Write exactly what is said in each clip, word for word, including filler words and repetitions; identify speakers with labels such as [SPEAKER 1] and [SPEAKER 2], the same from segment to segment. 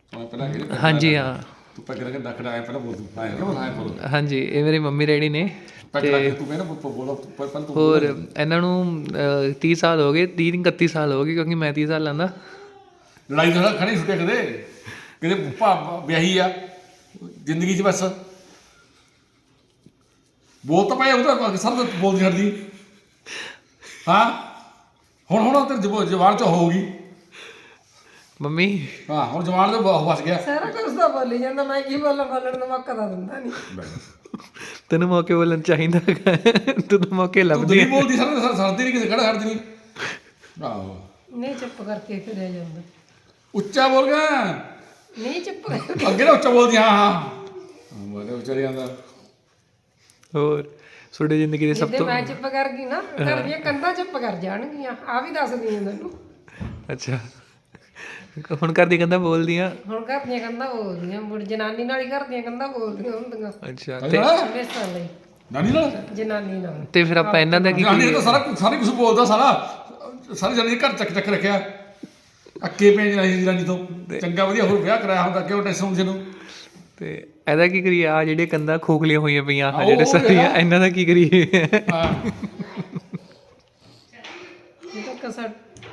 [SPEAKER 1] हाँ जी हाँ
[SPEAKER 2] ਤੂੰ ਪੈਗ ਲਾ ਕੇ ਨੱਕ ਡਾਇਆ ਪਹਿਲਾਂ ਬੋਲ ਤੂੰ ਆਇਆ ਨਾ ਆਇਆ ਬੋਲ
[SPEAKER 1] हाँ जी ये मेरी मम्मी डैडी ने
[SPEAKER 2] ਪੈਗ ਲਾ ਕੇ ਤੂੰ ਕਹਿੰਦਾ ਬੋਲੋ ਪਹਿਲਾਂ ਤੂੰ
[SPEAKER 1] ਹੋਰ ਇਹਨਾਂ ਨੂੰ ਤੀਹ ਸਾਲ ਹੋ ਗਏ ਤੀਹ ਇਕੱਤੀ ਸਾਲ ਹੋ ਗਏ ਕਿਉਂਕਿ ਮੈਂ ਤੀਹ ਸਾਲ ਲਾਂਦਾ
[SPEAKER 2] ਲੜਾਈ ਦਾ ਖੜੀ ਛੁੱਟੇ ਕਦੇ ਕਿਤੇ ਭਾ ਵਿਆਹੀ ਆ ਜ਼ਿੰਦਗੀ 'ਚ ਬਸ ਬੋਲ ਤਾਂ ਪਾਇਆ ਉਹਦਾ ਸਭ ਬੋਲਦੀ ਛੱਡਦੀ ਹਾਂ ਹੁਣ ਹੁਣ ਤੇ ਜਵਾਨ 'ਚ ਹੋਊਗੀ
[SPEAKER 1] ਮੰਮੀ
[SPEAKER 2] ਹਾਂ ਹੁਣ ਜਵਾਨ ਦੇ ਫਸ ਗਿਆ
[SPEAKER 3] ਸਾਰਾ ਕੁਝ ਤਾਂ ਬੋਲੀ ਜਾਂਦਾ ਮੈਂ ਕੀ ਬੋਲਾਂ ਬੋਲਣ ਦਾ ਮੌਕਾ ਤਾਂ ਦਿੰਦਾ ਨਹੀਂ
[SPEAKER 1] ਤੈਨੂੰ ਮੌਕੇ ਬੋਲਣ ਚਾਹੀਦਾ ਤੂੰ ਤਾਂ ਮੌਕੇ
[SPEAKER 2] ਤੂੰ
[SPEAKER 1] ਲੱਭਦੀ
[SPEAKER 2] ਨਹੀਂ ਬੋਲਦੀ ਸਰ ਸਰਦੀ ਨਹੀਂ ਕਿਸੇ ਖੜਾ ਛੱਡਦੀ ਨਹੀਂ ਆਹੋ
[SPEAKER 3] ਨਹੀਂ ਚੁੱਪ ਕਰਕੇ ਫਿਰਿਆ ਜਾਂਦਾ
[SPEAKER 2] ਉੱਚਾ ਬੋਲ ਗਿਆ
[SPEAKER 3] ਨਹੀਂ ਚੁੱਪ ਕਰਕੇ
[SPEAKER 2] ਅੱਗੇ ਨਾ ਉੱਚਾ ਬੋਲਦੀ ਹਾਂ ਹਾਂ ਬੋਲੇ ਉੱਚਾ ਜਾਂਦਾ
[SPEAKER 1] ਹੋਰ ਤੁਹਾਡੀ ਜ਼ਿੰਦਗੀ ਦੇ ਸਭ
[SPEAKER 3] ਜੇ
[SPEAKER 1] ਤੋਂ
[SPEAKER 3] ਮੈਂ ਚੁੱਪ ਕਰ ਗਈ ਨਾ ਘਰ ਦੀਆਂ ਕੰਧਾਂ ਚੁੱਪ ਕਰ ਜਾਣਗੀਆਂ ਆ ਵੀ ਦੱਸਦੀ ਹਾਂ ਤੈਨੂੰ
[SPEAKER 1] ਅੱਛਾ ਹੁਣ ਘਰ ਦੀ ਕਹਿੰਦਾ ਬੋਲਦੀਆਂ
[SPEAKER 3] ਹੁਣ ਘਰ ਦੀਆਂ ਕੰਧਾਂ ਬੋਲਦੀਆਂ ਮੁੜ ਜਨਾਨੀ ਨਾਲ ਹੀ ਘਰ ਦੀਆਂ ਕੰਧਾਂ ਬੋਲਦੀਆਂ ਹੁੰਦੀਆਂ
[SPEAKER 1] ਅੱਛਾ ਤੇ
[SPEAKER 3] ਹਮੇਸ਼ਾ ਲਈ
[SPEAKER 2] ਨਾਨੀ ਨਾਲ
[SPEAKER 3] ਜਨਾਨੀ ਨਾਲ
[SPEAKER 1] ਤੇ ਫਿਰ ਆਪਾਂ ਇਹਨਾਂ ਦਾ ਕੀ
[SPEAKER 2] ਨਾਨੀ ਤਾਂ ਸਾਰਾ ਸਾਰਾ ਕੁਝ ਬੋਲਦਾ ਸਾਰਾ ਸਾਰੇ ਜਣੇ ਘਰ ਚੱਕ ਚੱਕ ਰੱਖਿਆ ਅੱਕੇ ਪੈ ਜਨਾਨੀ ਜਨਾਨੀ ਤੋਂ ਚੰਗਾ ਵਧੀਆ ਹੋਰ ਵਿਆਹ ਕਰਾਇਆ ਹੁੰਦਾ ਕਿਉਂ ਟੈਨਸ਼ਨ ਹੁੰਦੀ ਨੂੰ
[SPEAKER 1] ਤੇ ਇਹਦਾ ਕੀ ਕਰੀਏ ਆ ਜਿਹੜੇ ਕੰਧਾਂ ਖੋਖਲੀਆਂ ਹੋਈਆਂ ਪਈਆਂ ਆ ਜਿਹੜੇ ਸਾਰੀਆਂ ਇਹਨਾਂ ਦਾ ਕੀ ਕਰੀਏ
[SPEAKER 2] ਹਾਂ
[SPEAKER 3] ਇਹ ਤਾਂ ਕਸਰ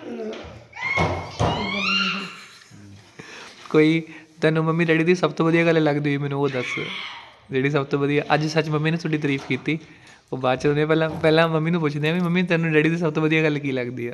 [SPEAKER 1] ਕੋਈ ਤੈਨੂੰ ਮੰਮੀ ਡੈਡੀ ਦੀ ਸਭ ਤੋਂ ਵਧੀਆ ਗੱਲ ਲੱਗਦੀ ਹੋਈ ਮੈਨੂੰ ਉਹ ਦੱਸ ਜਿਹੜੀ ਸਭ ਤੋਂ ਵਧੀਆ ਅੱਜ ਸੱਚ ਮੰਮੀ ਨੇ ਤੁਹਾਡੀ ਤਾਰੀਫ ਕੀਤੀ ਉਹ ਬਾਅਦ ਚ ਉਹਨੇ ਪਹਿਲਾਂ ਪਹਿਲਾਂ ਮੰਮੀ ਨੂੰ ਪੁੱਛਦੇ ਆ ਵੀ ਮੰਮੀ ਤੈਨੂੰ ਡੈਡੀ ਦੀ ਸਭ ਤੋਂ ਵਧੀਆ ਗੱਲ ਕੀ ਲੱਗਦੀ ਆ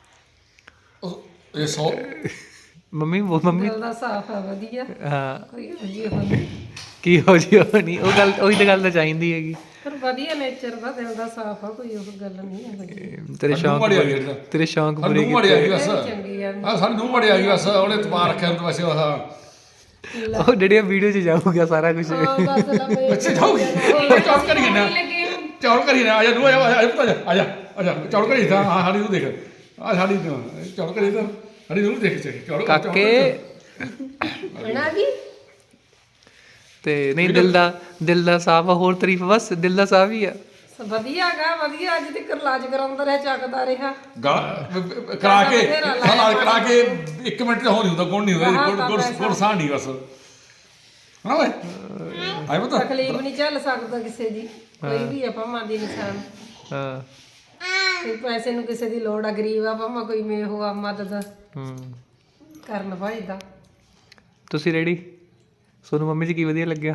[SPEAKER 2] ਇਹ ਸੌ
[SPEAKER 1] ਮੰਮੀ ਉਹ ਮੰਮੀ
[SPEAKER 3] ਦਿਲ ਦਾ ਸਾਫ ਆ ਵਧੀਆ
[SPEAKER 1] ਹਾਂ
[SPEAKER 3] ਕੋਈ ਅਜੀ ਹੋਣੀ
[SPEAKER 1] ਕੀ ਹੋ ਜੀ ਉਹ ਨਹੀਂ ਉਹ ਗੱਲ ਉਹੀ ਤਾਂ ਗੱਲ ਤਾਂ ਚਾਹੀਦੀ ਹੈਗੀ
[SPEAKER 3] ਪਰ ਵਧੀਆ ਨੇਚਰ ਦਾ ਦਿਲ ਦਾ ਸਾਫ ਆ ਕੋਈ ਉਹ ਗੱਲ ਨਹੀਂ ਹੈ
[SPEAKER 1] ਤੇਰੇ ਸ਼ੌਂਕ
[SPEAKER 2] ਮਾੜੀ ਆ
[SPEAKER 1] ਪੂਰੇ-
[SPEAKER 2] ਗਈ
[SPEAKER 1] ਤੇਰੇ ਸ਼ੌਂਕ ਪੂਰੇ
[SPEAKER 2] ਨੂੰ ਮਾੜੀ ਆ ਗਈ ਬਸ
[SPEAKER 3] ਚੰਗੀ ਆ
[SPEAKER 2] ਆ ਸਾਨੂੰ ਨੂੰ ਮਾੜੀ ਆ ਗਈ ਬਸ ਉਹਨੇ ਤਬਾਰ ਰੱਖਿਆ ਉਹਦੇ ਵਸੇ ਆਹ
[SPEAKER 1] ਉਹ ਜਿਹੜੀਆਂ ਵੀਡੀਓ 'ਚ ਜਾਊਗਾ ਸਾਰਾ ਕੁਝ
[SPEAKER 3] ਹਾਂ ਬਸ ਲੰਮੇ
[SPEAKER 2] ਅੱਛਾ ਜਾਊਗੀ ਚੌੜ ਕਰੀ ਨਾ ਚੌੜ ਕਰੀ ਨਾ ਆ ਜਾ ਨੂੰ ਆ ਜਾ ਆ ਜਾ ਪੁੱਤ ਆ ਜਾ ਆ ਜਾ ਚੌੜ ਕਰੀ ਤਾਂ ਹਾਂ ਸਾਡੀ ਨੂੰ ਦੇਖ ਆ ਸਾਡੀ ਨੂੰ ਚੌੜ ਕਰੀ ਤਾਂ ਸਾਡੀ ਨੂੰ ਦੇਖ ਚੌੜ ਚੌੜ
[SPEAKER 1] ਕਾਕੇ
[SPEAKER 3] ਬਣਾ ਗਈ
[SPEAKER 1] ਤੇ ਨਹੀਂ ਦਿਲ ਦਾ ਦਿਲ ਦਾ ਸਾਫ ਆ ਹੋਰ ਤਾਰੀਫ ਬਸ ਦਿਲ ਦਾ ਸਾਫ ਹੀ ਆ
[SPEAKER 3] ਵਧੀਆ ਗਾ ਵਧੀਆ ਅੱਜ ਤੱਕ ਇਲਾਜ ਕਰਾਉਂਦਾ ਰਿਹਾ ਚੱਕਦਾ ਰਿਹਾ
[SPEAKER 2] ਕਰਾ ਕੇ ਸਾਲਾ ਕਰਾ ਕੇ ਇੱਕ ਮਿੰਟ ਤੇ ਹੋ ਨਹੀਂ ਹੁੰਦਾ ਗੁਣ ਨਹੀਂ ਹੁੰਦਾ ਗੁਣ ਗੁਣ ਗੁਣ ਸਾਹ ਨਹੀਂ ਬਸ ਹਾਂ ਓਏ ਆਈ ਪਤਾ
[SPEAKER 3] ਤਕਲੀਫ ਨਹੀਂ ਝੱਲ ਸਕਦਾ ਕਿਸੇ ਦੀ ਕੋਈ ਵੀ ਆ ਭਾਵਾਂ ਦੀ ਇਨਸਾਨ
[SPEAKER 1] ਹਾਂ
[SPEAKER 3] ਕੋਈ ਪੈਸੇ ਨੂੰ ਕਿਸੇ ਦੀ ਲੋੜ ਆ ਗਰੀਬ ਆ ਭਾਵਾਂ ਕੋਈ ਮੇ ਹੋਆ ਮਦਦ
[SPEAKER 1] ਹੂੰ
[SPEAKER 3] ਕਰਨ ਭਾਈਦਾ
[SPEAKER 1] ਤੁਸੀਂ ਰੈਡੀ ਸੋਨੂੰ ਮੰਮੀ ਜੀ ਕੀ ਵਧੀਆ ਲੱਗਿਆ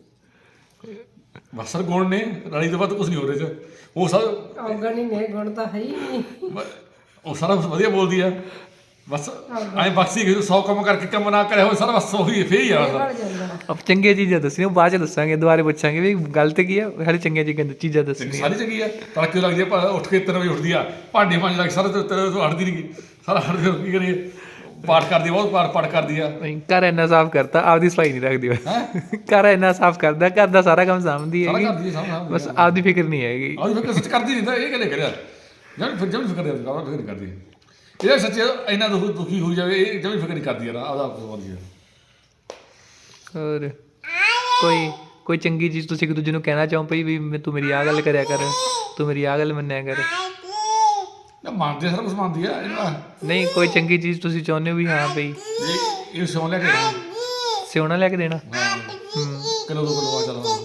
[SPEAKER 2] ਬਸਰ ਗੁਣ ਨੇ ਰਾਣੀ ਤੋਂ ਬਾਅਦ ਕੁਝ ਨਹੀਂ ਹੋ ਰਿਹਾ ਚ ਉਹ ਸਭ
[SPEAKER 3] ਔਗਣ ਹੀ ਨੇ ਗੁਣ ਤਾਂ ਹੈ ਹੀ ਨਹੀਂ
[SPEAKER 2] ਉਹ ਸਾਰਾ ਵਧੀਆ ਬੋਲਦੀ ਆ ਬਸ ਐਂ ਬਖਸ਼ੀ ਗਈ ਸੌ ਕੰਮ ਕਰਕੇ ਕੰਮ ਨਾ ਕਰਿਆ ਹੋਵੇ ਸਾਰਾ ਬਸ ਉਹੀ ਫੇਰ ਹੀ ਆ
[SPEAKER 3] ਬਣ ਜਾਂਦਾ
[SPEAKER 1] ਅਬ ਚੰਗੀਆਂ ਚੀਜ਼ਾਂ ਦੱਸਣੀਆਂ ਉਹ ਬਾਅਦ ਚ ਦੱਸਾਂਗੇ ਦੁਬਾਰੇ ਪੁੱਛਾਂਗੇ ਵੀ ਗੱਲ ਤੇ ਕੀ ਆ ਸਾਡੇ ਚੰਗੀਆਂ ਚੀਜ਼ਾਂ ਚੀਜ਼ਾਂ ਦੱਸਣੀਆਂ
[SPEAKER 2] ਸਾਰੀ ਚੰਗੀ ਆ ਤੜਕੇ ਲੱਗਦੀ ਆ ਭਾ- ਉੱਠ ਕੇ ਤਿੰਨ ਵਜੇ ਉੱਠਦੀ ਆ ਭਾਂਡੇ ਮਾਂਜ ਲੱਗ ਸਾਰਾ ਤੇ ਤੇਰੇ ਤੋਂ ਹਟਦੀ ਨਹੀਂ ਸਾਰਾ ਹਟ ਫਿਰ ਕੀ ਕਰੀਏ ਪਾਠ ਕਰਦੀ ਆ, ਬਹੁਤ ਪਾਠ ਪਾਠ ਕਰਦੀ ਆ
[SPEAKER 1] ਨਹੀਂ ਘਰ ਇੰਨਾ ਸਾਫ਼ ਕਰਤਾ ਆਪਦੀ ਸਫਾਈ ਨਹੀਂ ਰੱਖਦੀ ਬਸ
[SPEAKER 2] ਹੈ
[SPEAKER 1] ਘਰ ਇੰਨਾ ਸਾਫ਼ ਕਰਦਾ ਘਰ ਦਾ ਸਾਰਾ ਕੰਮ ਸਾਂਭਦੀ
[SPEAKER 2] ਸਾਰਾ
[SPEAKER 1] ਹੈਗੀ
[SPEAKER 2] ਕਰਦੀ ਆ ਸਾਰਾ
[SPEAKER 1] ਬਸ ਆਪਦੀ ਫਿਕਰ ਨਹੀਂ ਹੈਗੀ
[SPEAKER 2] ਆਹ ਫਿਰ ਸੱਚ ਕਰਦੀ ਨਹੀਂ ਤਾਂ ਇਹ ਕਿਹਨੇ ਕਰਿਆ ਜਦ ਫਿਰ ਜਦ ਫਿਕਰ ਕਰਦੀ ਆ ਫਿਕਰ ਨਹੀਂ ਕਰਦੀ ਇਹ ਸੱਚ ਇੰਨਾ ਦੁੱਖ ਦੁਖੀ ਹੋਈ ਜਾਵੇ ਇਹ ਜਦ ਫਿਕਰ ਨਹੀਂ ਕਰਦੀ ਆ ਆਪਦਾ ਆਪ ਸਵਾਦੀ ਆ
[SPEAKER 1] ਹੋਰ ਕੋਈ ਕੋਈ ਚੰਗੀ ਚੀਜ਼ ਤੁਸੀਂ ਇੱਕ ਦੂਜੇ ਨੂੰ ਕਹਿਣਾ ਚਾਹੋ ਪਈ ਵੀ ਮੈਂ ਤੂੰ ਮੇਰੀ ਆਹ ਗੱਲ ਕਰਿਆ ਕਰ ਤੂੰ ਮੇਰੀ ਆਹ ਗੱਲ ਮੰਨਿਆ ਕਰ
[SPEAKER 2] ਨਾ ਮੰਨਦੀ ਆ ਸਾਰਾ ਕੁਝ ਮੰਨਦੀ ਆ ਇਹਨਾਂ
[SPEAKER 1] ਨਹੀਂ ਕੋਈ ਚੰਗੀ ਚੀਜ਼ ਤੁਸੀਂ ਚਾਹੁੰਦੇ ਹੋ ਵੀ ਹਾਂ ਪਈ
[SPEAKER 2] ਇਹ ਇਹ ਸੌਂ ਲੈ ਕੇ ਹਾਂ
[SPEAKER 1] ਸਿਉਣਾ ਲੈ ਕੇ ਦੇਣਾ
[SPEAKER 2] ਕਿਲੋ ਦੋ ਕਿਲੋ ਆ ਚੱਲ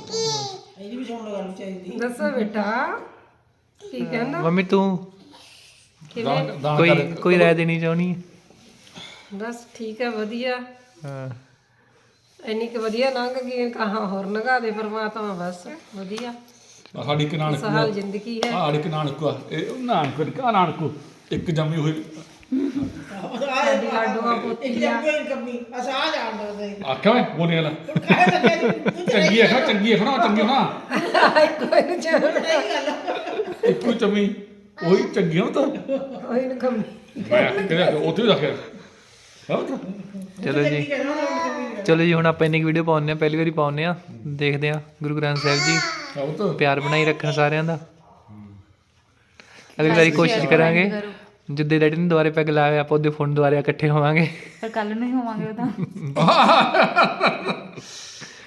[SPEAKER 3] ਦੱਸੋ ਬੇਟਾ ਕੀ ਕਹਿੰਦਾ
[SPEAKER 1] ਮੰਮੀ ਤੂੰ
[SPEAKER 2] ਦਾਨ ਦਾਨ
[SPEAKER 1] ਕੋਈ
[SPEAKER 2] ਕਰ
[SPEAKER 1] ਕੋਈ ਰਾਏ ਦੇਣੀ ਚਾਹੁੰਦੀ ਹੈ
[SPEAKER 3] ਬਸ ਠੀਕ ਹੈ ਵਧੀਆ
[SPEAKER 1] ਹਾਂ
[SPEAKER 3] ਇੰਨੀ ਕੁ ਵਧੀਆ ਲੰਘ ਗਈ ਕਹਾਂ ਹੋਰ ਲੰਘਾ ਦੇ ਪਰਮਾਤਮਾ ਬਸ ਵਧੀਆ
[SPEAKER 2] ਆਹ ਸਾਡੀ ਇੱਕ ਨਾਨਕ
[SPEAKER 3] ਸਹਾਲ ਜ਼ਿੰਦਗੀ ਹੈ
[SPEAKER 2] ਆਹ ਸਾਡੀ ਇੱਕ ਨਾਨਕ ਆ ਇਹ ਉਹ ਨਾਨਕ ਆ ਨਾਨਕ ਇੱਕ ਜੰਮੀ ਹੋਈ
[SPEAKER 3] ਸਾਡੀ ਲਾਡੂਆਂ ਪੋਤੀਆਂ
[SPEAKER 2] ਆਖਿਆ ਵੇ ਬੋਲੇ ਵਾਲਾ ਚੰਗੀ ਆ ਚੰਗੀ ਆ ਨਾ ਚੰਗੀ ਹੋਣਾ
[SPEAKER 3] ਕੋਈ ਨੂੰ ਚਾਹ
[SPEAKER 2] ਇੱਕੋ ਚੰਮੀ ਉਹੀ ਚੰਗੀ ਹੋਣਾ ਤਾਂ
[SPEAKER 3] ਕੋਈ ਨੂੰ ਕੰਮ
[SPEAKER 2] ਮੈਂ ਕਿਹਾ ਉੱਥੇ ਵੀ ਰੱਖਿਆ ਹਾਂ
[SPEAKER 1] ਚਲੋ ਜੀ ਚਲੋ ਜੀ ਹੁਣ ਆਪਾਂ ਇੰਨੀ ਵੀਡੀਓ ਪਾਉਂਦੇ ਆ ਪਹਿਲੀ ਵਾਰੀ ਪਾਉਂਦੇ ਆ ਦੇਖਦੇ ਆ ਗੁਰੂ ਗ੍ਰੰਥ ਸਾਹਿਬ ਜੀ
[SPEAKER 2] ਉਹ ਤਾਂ
[SPEAKER 1] ਪਿਆਰ ਬਣਾਈ ਰੱਖਣ ਸਾਰਿਆਂ ਦਾ ਅਗਲੀ ਵਾਰੀ ਕੋਸ਼ਿਸ਼ ਕਰਾਂਗੇ ਜਿੱਦੇ ਡੈਡੀ ਨੇ ਦੁਬਾਰੇ ਪੈਗ ਲਾਇਆ ਆਪਾਂ ਉਹਦੇ ਫੋਨ ਦੁਬਾਰੇ ਇਕੱਠੇ ਹੋਵਾਂਗੇ
[SPEAKER 4] ਪਰ ਕੱਲ ਨੂੰ ਹੀ ਹੋਵਾਂਗੇ ਉਹ ਤਾਂ